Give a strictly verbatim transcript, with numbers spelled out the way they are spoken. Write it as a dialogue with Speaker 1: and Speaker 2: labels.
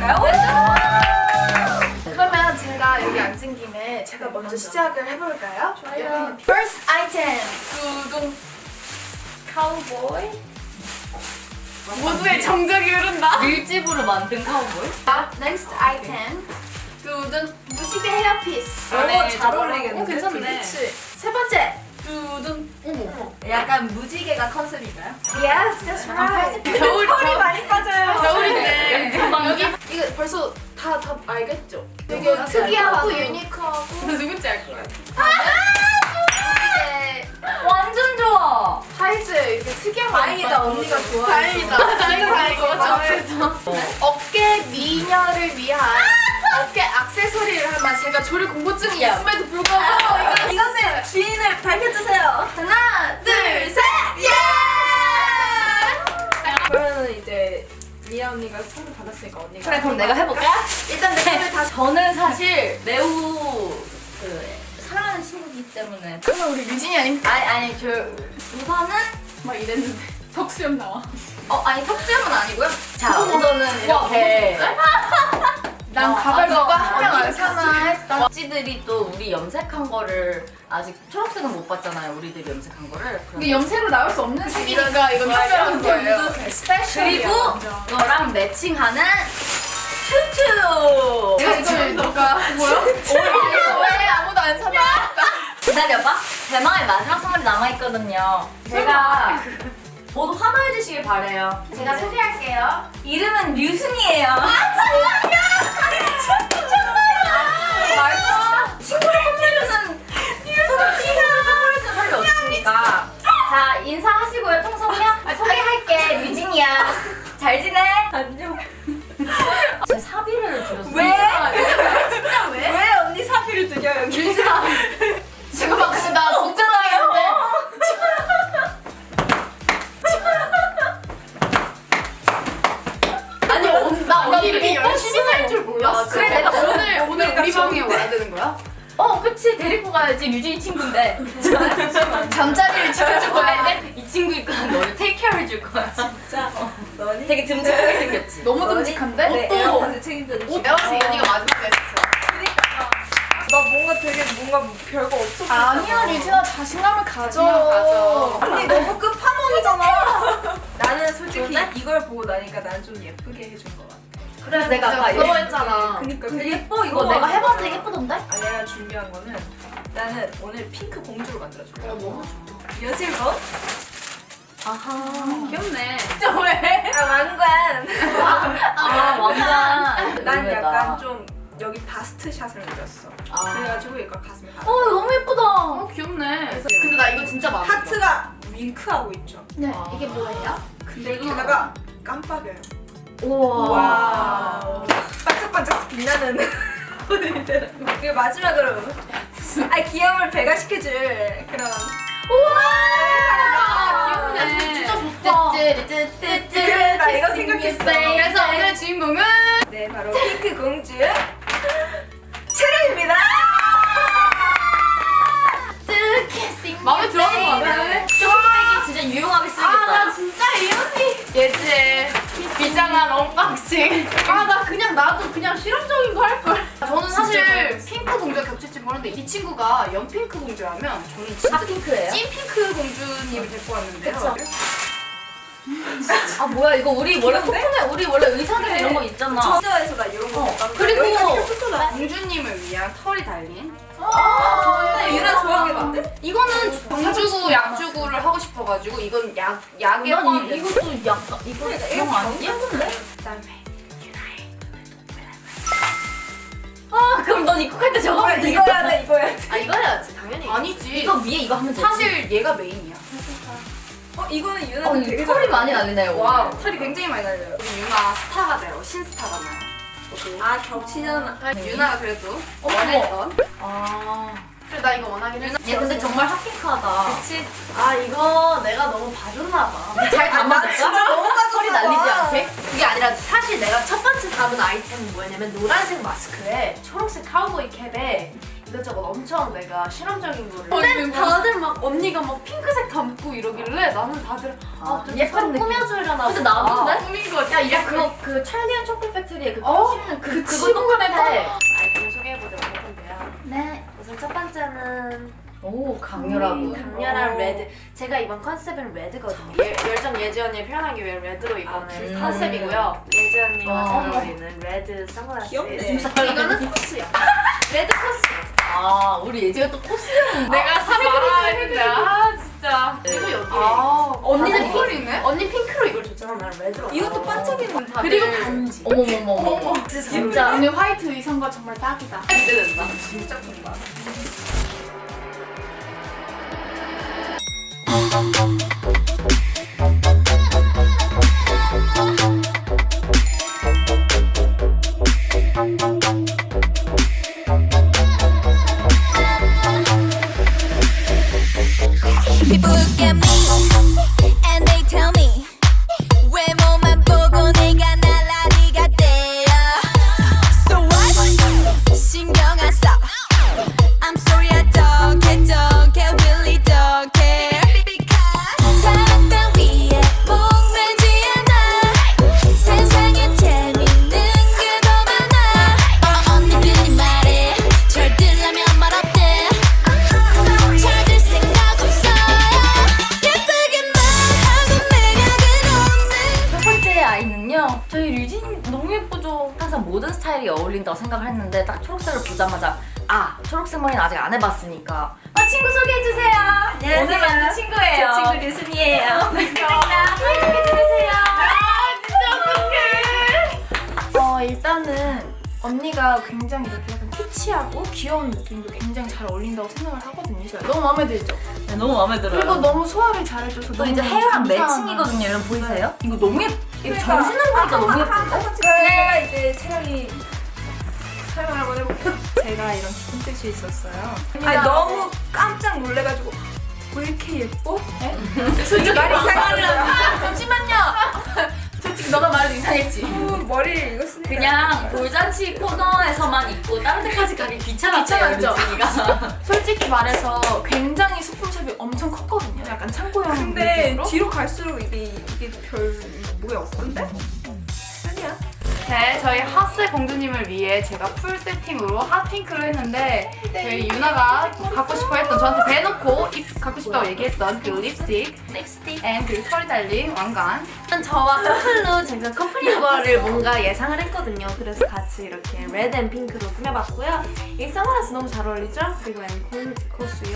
Speaker 1: 시작해볼까요?
Speaker 2: 그러면 제가 여기 앉은 김에 제가 먼저 시작을 해볼까요?
Speaker 1: 좋아요.
Speaker 2: First item. 두둥. 카우보이. 모두의 정적이 흐른다.
Speaker 1: 밀집으로 만든 카우보이?
Speaker 2: 아, next item. 두둥. 무지개 헤어피스.
Speaker 1: 오, 잘 어울리겠는데?
Speaker 2: 어, 괜찮네. 그치. 세 번째. 두둥. 어머.
Speaker 1: 약간 무지개가 컨셉인가요?
Speaker 2: Yes, that's right.
Speaker 1: 겨울
Speaker 2: 털이 많이 빠져요.
Speaker 1: 겨울인데 여기 금방
Speaker 2: 여기 이거 벌써 다 다 알겠죠? 되게 특이하고 유니크하고.
Speaker 1: 누군지 알 거야.
Speaker 2: 무지개
Speaker 1: 완전 좋아.
Speaker 2: 사이즈 이렇게 특이한 거
Speaker 1: 다행이다,
Speaker 2: 많이
Speaker 1: 언니가
Speaker 2: 빠져서.
Speaker 1: 좋아해서.
Speaker 2: 다행이다.
Speaker 1: 다행이다.
Speaker 2: 다행이다. 어깨 미녀를 위한 어깨 액세서리를 하면 제가 조리 공포증이
Speaker 1: 야.
Speaker 2: 있음에도 불구하고 이거
Speaker 1: 이것의 주인을 밝혀주세요.
Speaker 2: 하나, 둘, 셋, 예!
Speaker 3: 그러면은 이제 미아 언니가 선물 받았으니까 언니가
Speaker 1: 그래 그럼 내가 해볼까?
Speaker 2: 일단 내 손을 다
Speaker 1: 저는 사실 매우 그 사랑하는 친구이기 때문에
Speaker 2: 그러면 우리 유진이 아닙니까?
Speaker 1: 아니 아니 저 우선은
Speaker 3: 막 이랬는데 턱수염 나와.
Speaker 1: 어 아니 턱수염은 아니고요. 자 우선은 이렇게
Speaker 2: 난
Speaker 1: 어,
Speaker 2: 가발
Speaker 1: 맞아.
Speaker 2: 누가 한 명 안
Speaker 1: 언니
Speaker 2: 사나 했다.
Speaker 1: 억지들이 또 우리 염색한 거를 아직 초록색은 못 봤잖아요. 우리들이 염색한 거를.
Speaker 2: 이게 염색으로 나올 수 없는 색이니까 이건 특별한 거예요. 스페셜이야.
Speaker 1: 그리고 이거랑 매칭하는 튜튜.
Speaker 2: 이걸 너가 뭐야? 이거 왜 아무도 안 사나?
Speaker 1: 기다려봐. 대망의 마지막 선물이 남아있거든요. 제가 모두 환호해 주시길 바래요. 제가 소개할게요. 이름은 류순이에요. 아 진짜! 정말이야! 말도 친구를 선물해주는 류순이가 선물해주는 사람이 어딨습니까? 자 인사하시고요. 통성명 소개할게. 유진이야. 잘 지내? 안녕. 제 사비를 드렸어요.
Speaker 3: 왜?
Speaker 1: 진짜 왜?
Speaker 3: 왜 언니 사비를 드려 여기?
Speaker 1: 유진아.
Speaker 2: 지금 막 진짜 나 걱정하겠는데.
Speaker 1: 아니 언-
Speaker 2: 나 언니를
Speaker 1: 언니
Speaker 2: 열심히 살 줄 몰랐어.
Speaker 1: 그래, 내가
Speaker 2: 오늘 오늘 우리 방에 와야 되는 거야?
Speaker 1: 어 그치 데리고 가야지. 유진이 친구인데
Speaker 2: 잠자리를 지켜줄 거야.
Speaker 1: 이 친구니까 너를 테이크 케어 해줄 거야.
Speaker 3: 진짜 너니?
Speaker 1: 되게 듬직하게 생겼지.
Speaker 2: 너무 듬직한데?
Speaker 3: 네,
Speaker 2: 옷도
Speaker 3: 에어컨을 책임져 주시고.
Speaker 2: 내가 봤을 때 이 언니가 마지막에 했어.
Speaker 3: 나 뭔가 되게 뭔가 별거 없어 보이잖아.
Speaker 2: 아니야 유진아 자신감을 가져.
Speaker 1: 자신감 가져.
Speaker 3: 언니 너무 끝판왕이잖아. 나는 솔직히
Speaker 1: 그런데?
Speaker 3: 이걸 보고 나니까 난 좀 예쁘게 해준 것 같아.
Speaker 1: 그래서 내가 아까
Speaker 2: 부러워했잖아.
Speaker 3: 그니까
Speaker 1: 근데
Speaker 3: 되게
Speaker 1: 예뻐 이거
Speaker 3: 부러워.
Speaker 1: 내가 해봤는데 예쁘던데?
Speaker 3: 아 내가 준비한 거는 나는 오늘 핑크 공주로 만들어줄 거야.
Speaker 2: 어, 너무
Speaker 3: 여실번?
Speaker 1: 아하.
Speaker 2: 귀엽네.
Speaker 1: 진짜 왜?
Speaker 3: 아 왕관.
Speaker 1: 아 왕관.
Speaker 3: 난 약간 좀 여기 바스트 샷을 노렸어.
Speaker 1: 아.
Speaker 3: 그래가지고 이거 가슴에 다.
Speaker 1: 어 이거 너무 예쁘다.
Speaker 2: 어 귀엽네. 근데 나 이거 진짜 마음에 들어.
Speaker 3: 하트가 윙크하고 있죠.
Speaker 2: 네
Speaker 1: 아.
Speaker 2: 이게 뭐예요?
Speaker 3: 근데 게다가 깜빡여요.
Speaker 1: 우와.
Speaker 3: 와. 반짝반짝 빛나는 오늘들. 그리고 마지막으로 아 귀여움을 배가시켜줄 그런.
Speaker 2: 아, 귀엽네.
Speaker 1: 진짜 좋다.
Speaker 3: 그래, 나 이거 생각했어.
Speaker 2: 그래서 오늘 주인공은
Speaker 3: 네 바로 핑크 공주 체리입니다.
Speaker 2: 마음에 들었는 거 같아.
Speaker 1: 쇼핑백이 진짜 유용하게 쓰겠다.
Speaker 2: 진짜 이 언니 예지의 비장한 언박싱. 아 나 그냥 나도 그냥 실험적인 거 할 걸. 저는 사실 핑크 공주가 겹칠지 모르는데 이 친구가 연핑크 공주라면 저는 진짜
Speaker 1: 핫핑크예요?
Speaker 2: 찐 핑크 공주님을 데리고 왔는데요.
Speaker 1: 아 뭐야 이거 우리 원래 소품에 우리 원래 의사들 이런 거 있잖아.
Speaker 3: 전자에서 나 이런 거
Speaker 1: 어,
Speaker 3: 못 봤는데
Speaker 1: 그리고-
Speaker 3: 여기까지 했었어 나.
Speaker 2: 공주님을 위한 털이 달린.
Speaker 3: 아, 유나 좋아하겠는데?
Speaker 2: 이거는 정주구 약주구를 하고 싶어가지고 이건 약 약의
Speaker 1: 난
Speaker 2: 포함.
Speaker 1: 이, 이것도 약간 이거 이런 거 아니야? 예쁜데?
Speaker 2: 그다음에 유나의
Speaker 1: 아 그럼 넌 입국할 때 저거 하면
Speaker 3: 이거
Speaker 1: 되겠다.
Speaker 3: 해야 돼 이거 해야 돼.
Speaker 2: 아 이거 해야지 당연히. 아니지.
Speaker 1: 이거 위에 이거 하면 되지.
Speaker 2: 사실 얘가 메인이야.
Speaker 3: 어 이거는 유나
Speaker 1: 어,
Speaker 3: 되게
Speaker 1: 이 털이
Speaker 3: 잘
Speaker 1: 많이 날리네요.
Speaker 3: 와우
Speaker 1: 오늘.
Speaker 3: 털이 굉장히 많이 날려요.
Speaker 2: 우리 유나 스타가 돼요. 신스타가 나요.
Speaker 3: 아 겹치잖아.
Speaker 2: 아, 유나가 그래도
Speaker 1: 어머.
Speaker 2: 원했던.
Speaker 1: 아.
Speaker 2: 그래 나 이거 원하긴 했어.
Speaker 1: 얘 근데 정말 핫핑크하다.
Speaker 2: 그치? 아 이거 내가 너무 봐줬나 봐.
Speaker 1: 잘
Speaker 3: 나
Speaker 1: 담아둘까?
Speaker 3: 진짜 너무
Speaker 1: 털이 날리지 않게?
Speaker 4: 그게 아니라 사실 내가 첫 번째 담은 아이템은 뭐였냐면 노란색 마스크에 초록색 카우보이 캡에
Speaker 2: 이것저것 엄청 내가 실험적인 거를. 근데 다들 막 언니가 막 핑크색 담고 이러길래 나는 다들 아, 좀
Speaker 1: 예쁜
Speaker 2: 서로
Speaker 1: 느낌.
Speaker 2: 꾸며주려나
Speaker 1: 근데 나도인데?
Speaker 2: 꾸민 거지.
Speaker 1: 야 이거 그거 그 찰리 앤 초콜릿 팩토리에 그
Speaker 2: 어?
Speaker 1: 씹는 그
Speaker 2: 그
Speaker 1: 그거 똑같아.
Speaker 2: 아이템 소개해보도록 할 건데요.
Speaker 4: 네, 우선 첫 번째는
Speaker 1: 오 강렬하고.
Speaker 4: 강렬한 레드. 제가 이번 컨셉은 레드거든요.
Speaker 2: 예, 열정 예지 언니 표현하기 위해 레드로 입은
Speaker 1: 음.
Speaker 2: 컨셉이고요.
Speaker 4: 예지 언니와
Speaker 1: 와.
Speaker 4: 잘 어울리는 레드 선글라스.
Speaker 3: 귀엽네.
Speaker 2: 이거는 코스야. 레드 코스.
Speaker 1: 아 우리 예지가 또 코스형.
Speaker 2: 내가 사 말아야 했는데 아 진짜. 이거 여기. 아
Speaker 1: 언니는
Speaker 2: 핑크네? 언니 핑크로 이걸 줬잖아.
Speaker 4: 난 레드로.
Speaker 3: 이것도 반짝이는 거.
Speaker 2: 그리고 반지.
Speaker 1: 어머머머머. 진짜.
Speaker 2: 언니 화이트 의상과 정말 딱이다.
Speaker 1: 기대된다.
Speaker 3: 진짜 큰다.
Speaker 5: People look at me and they tell me 외모만 보고 내가 날라리 같대요. So what? 신경 안 써. I'm sorry I don't care, don't care, really don't care. Because 사랑 따위에 목매지 않아. 세상에 재밌는 게 더 많아. 어, 언니들이 말해 절 들라면 말 어때? 찾을 생각 없어요. 예쁘게만 하고 매력은 없는.
Speaker 1: 첫 번째 아이는요. 저희 류진 너무 예쁘죠. 항상 모든 스타일이 어울린다고 생각을 했는데 딱 초록색을 보자마자 아 초록색 머리는 아직 안 해봤으니까 아 친구 소개해주세요.
Speaker 3: 안녕하세요.
Speaker 1: 오늘 만난 친구예요.
Speaker 3: 제 친구 류순이에요.
Speaker 1: 반갑습니다. 소개해주세요.
Speaker 2: 어 일단은 언니가 굉장히 이렇게 약간 키치하고 귀여운 느낌도 굉장히 잘 어울린다고 생각을 하거든요. 제가 너무 마음에 들죠?
Speaker 1: 네, 너무 마음에 들어요.
Speaker 2: 그리고 너무 소화를 잘해줘서
Speaker 1: 또
Speaker 2: 너무
Speaker 1: 이제 헤어랑
Speaker 2: 감사한
Speaker 1: 매칭이거든요. 여러분 보이세요? 이거 너무 예쁘. 이거
Speaker 3: 그러니까.
Speaker 1: 정신을 보니까 너무 예쁜데?
Speaker 3: 제가 이제 채령이 설명 한번 해볼게요. 제가 이런 깊은 뜻이 있었어요. 아니 너무 깜짝 놀래가지고 왜 이렇게 예뻐? 솔직히 말이 이상했어요.
Speaker 2: 잠시만요. 솔직히 너가 말해도 이상했지.
Speaker 3: 머리를 이거 쓰니까
Speaker 1: 그냥 돌잔치 코너에서만 입고 다른 데까지 가기 귀찮았어요.
Speaker 2: 귀찮았죠?
Speaker 1: 류진이가.
Speaker 2: 솔직히 말해서 굉장히 소품샵이 엄청 컸거든요. 약간 창고형
Speaker 3: 근데
Speaker 2: 느낌으로.
Speaker 3: 뒤로 갈수록 이게 이게 별 뭐가 없던데? 아니야.
Speaker 2: 네, 저희 핫세 공주님을 위해 제가 풀 세팅으로 핫핑크로 했는데 저희 유나가 갖고 싶어 했던 저한테 대놓고 입 갖고 싶다고 얘기했던 그 립스틱
Speaker 1: 립스틱.
Speaker 2: 앤 그 털이 달린 왕관.
Speaker 4: 저와 커플로 제가 커플인 거를 뭔가 예상을 했거든요. 그래서 같이 이렇게 레드 앤 핑크로 꾸며봤고요. 이 선글라스 너무 잘 어울리죠? 그리고 앤 코스요.